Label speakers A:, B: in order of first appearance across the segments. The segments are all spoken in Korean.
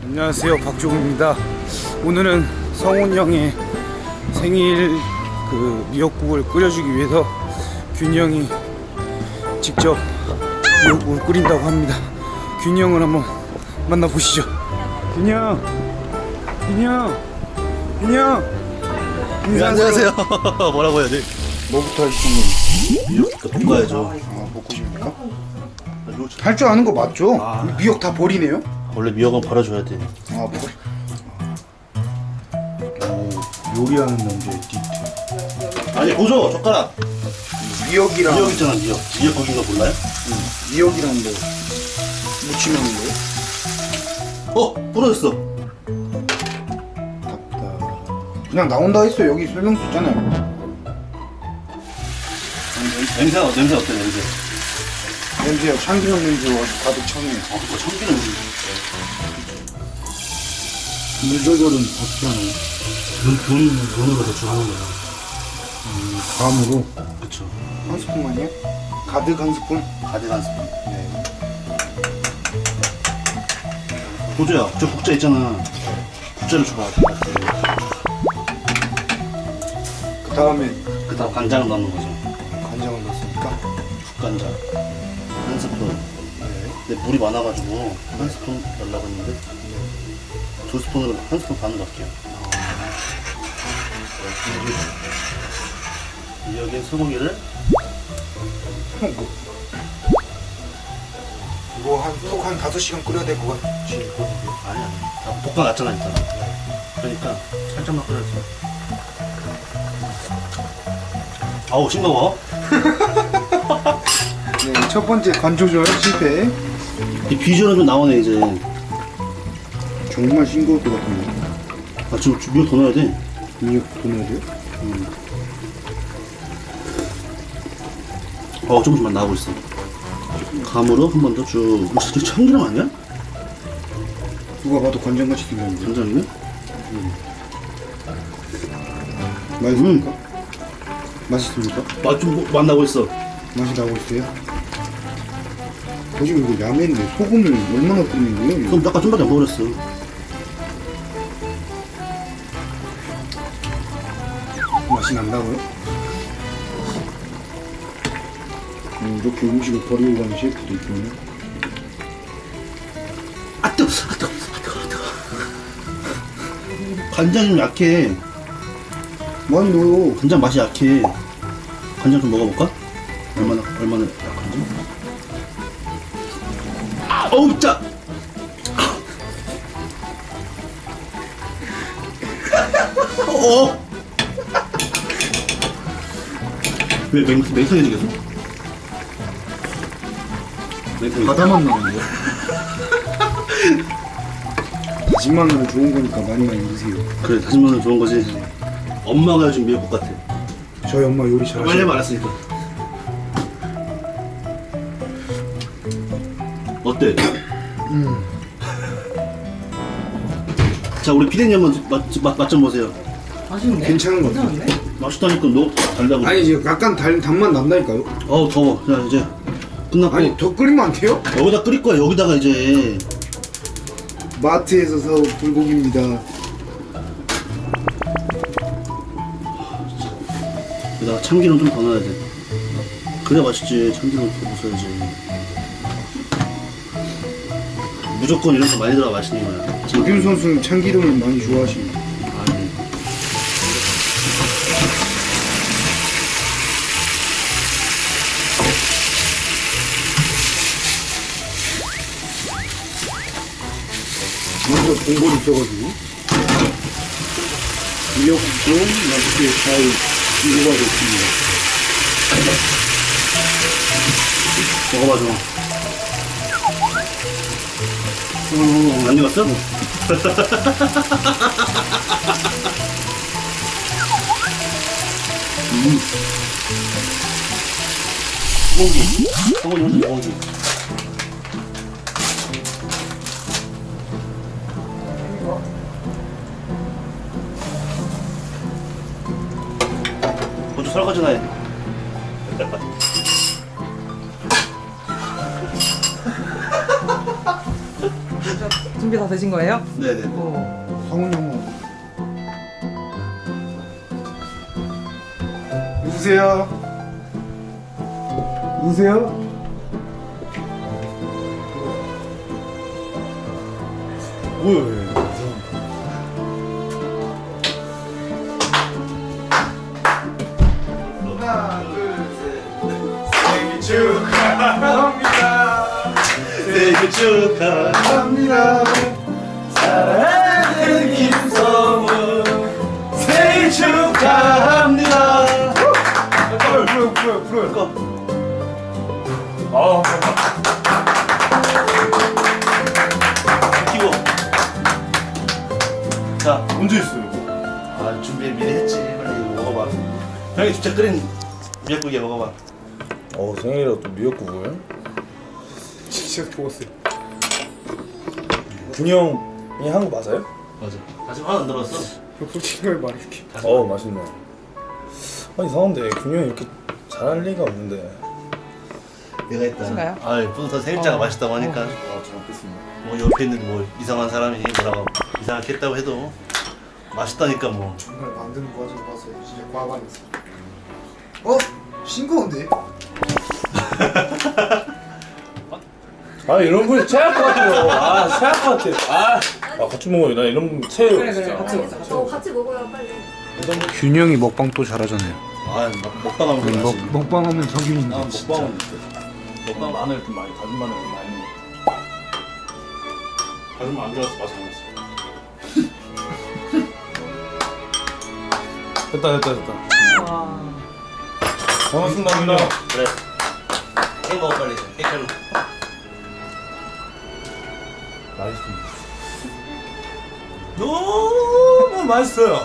A: 안녕하세요, 박종우입니다. 오늘은 성훈이 형의 생일 미역국을 끓여주기 위해서 균이 형이 직접 미역국을 끓인다고 합니다. 균이 형을 한번 만나보시죠. 균이 형, 균이 형, 균이 형.
B: 네, 안녕하세요. 뭐라고 해야 돼?
A: 뭐부터 하시는
B: 미역국 볶아야죠.
A: 먹고 싶습니까? 할 줄 아는 거 맞죠? 미역 다 버리네요?
B: 원래 미역은 버려줘야 돼.
A: 오, 요리하는 남자의 디테일.
B: 아니 보죠, 젓가락.
A: 미역이랑
B: 미역 있잖아, 미역. 미역 거긴 거 몰라요?
A: 미역이랑 뭐 무침하는 거예요?
B: 부러졌어.
A: 그냥 나온다 했어. 여기 설명서 있잖아요.
B: 냄새 어때, 냄새?
A: 냄새야, 참기름 냄새 와서 가득 차네.
B: 그거 참기름.
A: 물 조절은 어떻게 하나요?
B: 눈으로 대충 하는 거야.
A: 감으로
B: 그쵸.
A: 한 스푼만이요? 가득 한 스푼?
B: 가득 한 스푼.
A: 네.
B: 보조야, 저 국자 있잖아. 국자를 줘봐.
A: 그 다음에
B: 그 다음 간장을 넣는 거죠.
A: 간장을 넣었으니까.
B: 국간장. 한 스푼.
A: 네.
B: 근데 물이 많아가지고 한 스푼 넣으려고 했는데 두 스푼으로 한 스푼 반 넣을게요. 여기 소고기를
A: 이거 한 5시간 끓여야 될 것 같지.
B: 아니야. 다 볶아놨잖아 일단. 그러니까 살짝만 끓여줘. 아우 싱거워.
A: 네, 첫 번째 간 조절 실패.
B: 이 비주얼은 좀 나오네 이제.
A: 정말 싱거울 것 같은데.
B: 아 지금 미역 더 넣어야 돼.
A: 미역 더 넣어야 돼요?
B: 조금씩만 나오고 있어. 감으로 한 번 더 쭉. 이거 진짜 참기름 아니야?
A: 누가 봐도 간장같이 생겼는데.
B: 간장이네?
A: 맛있습니까? 맛있습니까?
B: 맛 나고 있어.
A: 맛이 나고 있어요? 지금 이거 야매인데 소금을 얼마나 뿌리는 거예요?
B: 그럼 아까 좀밖에 안 먹었어.
A: 맛이 난다고요? 이렇게 음식을 버리고 가는 셰프도 있군요.
B: 아 뜨거. 간장이 좀 약해.
A: 많이 넣어요.
B: 간장 맛이 약해. 간장 좀 먹어볼까? 얼마나 약한지? 어우 짜! 왜 맹탕해지겠어?
A: 바다만 나는데요? 다진 마늘은 좋은 거니까 많이 드세요.
B: 그래 다진 마늘 좋은 거지. 엄마가 요즘 미역국 같아.
A: 저희 엄마 요리
B: 빨리
A: 잘하시죠?
B: 말았으니까. 어때? 자 우리 피디님 한번 맛 좀 보세요.
C: 맛있네.
A: 괜찮은 거 같아요.
B: 맛있다니까 너 달라고.
A: 아니 지금 약간 단맛 난다니까요?
B: 어우 더워. 자 이제 끝났고.
A: 아니 더 끓이면 안 돼요?
B: 여기다 끓일 거야. 여기다가 이제
A: 마트에서 사온 불고기입니다.
B: 여기다가 참기름 좀 더 넣어야 돼. 그래 맛있지. 참기름 더 넣어야지. 무조건 이런 거 많이 들어가 맛있는 거야.
A: 박윤 선수는 참기름을 많이 좋아하십니다.
B: 아니.
A: 먼저 동골 있어가지고 미역국도 맛있게 잘 익어가고 있습니다.
B: 먹어봐 좀. 안 익었어? 소고기 훨씬 소고기. 먼저 설거지나 해.
C: 준비 다 되신 거예요?
B: 네네.
C: 오.
A: 성훈이 형. 누구세요? 누구세요? 뭐야? 하나, 둘, 셋. 생일 축하합니다.
B: 생일 축하합니다. 사랑하는 김성훈 생일 축하합니다.
A: 풀어요.
B: 키고. 자,
A: 언제 있어요?
B: 아 준비 미리 했지. 빨리 이거 먹어봐. 형이 직접 끓인 미역국이야 먹어봐.
D: 생일이라 또 미역국을?
A: 진짜 좋았어요.
D: 군이 형이 한 거 맞아요?
B: 맞아. 아직 하나 안 들었어.
A: 솔직하게 말해줄게.
D: 맛있네. 이상한데 군이 형이 이렇게 잘할 리가 없는데.
B: 내가 했다.
C: 하신가요?
B: 아, 뿌듯한 생일자가 맛있다고 하니까.
D: 잘 먹겠습니다.
B: 뭐 옆에 있는 뭐 이상한 사람이 뭐라고 이상하게 했다고 해도 맛있다니까 뭐.
A: 정말 만드는 과정 봤어요. 진짜 과반했어. 싱거운데?
D: 이런 분 체할 것 같아요. 체할 것 같아. 같이 먹어요. 나 이런 분 체해요.
C: 그래 같이 먹자.
E: 같이 먹어요 빨리.
A: 균이 형이 먹방 또 잘하잖아요.
B: 먹방하면 그러지.
A: 먹방하면 석윤인데.
D: 먹방은 먹방 마늘 좀 많이 다진 마늘 좀 많이 먹어. 다진 마늘 안 들어가서 맛이 안 났어. 됐다.
C: 와.
D: 고맙습니다.
B: 그래. 케이크 먹어 빨리. 케이크로.
D: 맛있습니다. 너무 맛있어요.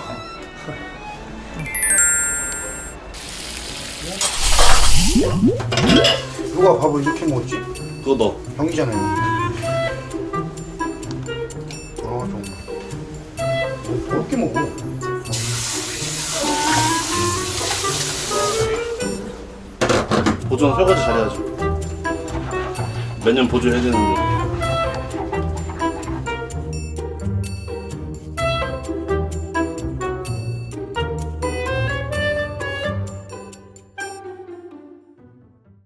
A: 누가 밥을 이렇게 먹었지?
B: 그거 너.
A: 형이잖아요. 정말. 더럽게 먹어.
B: 보존 설거지 잘해야지. 매년 보조해야 되는데.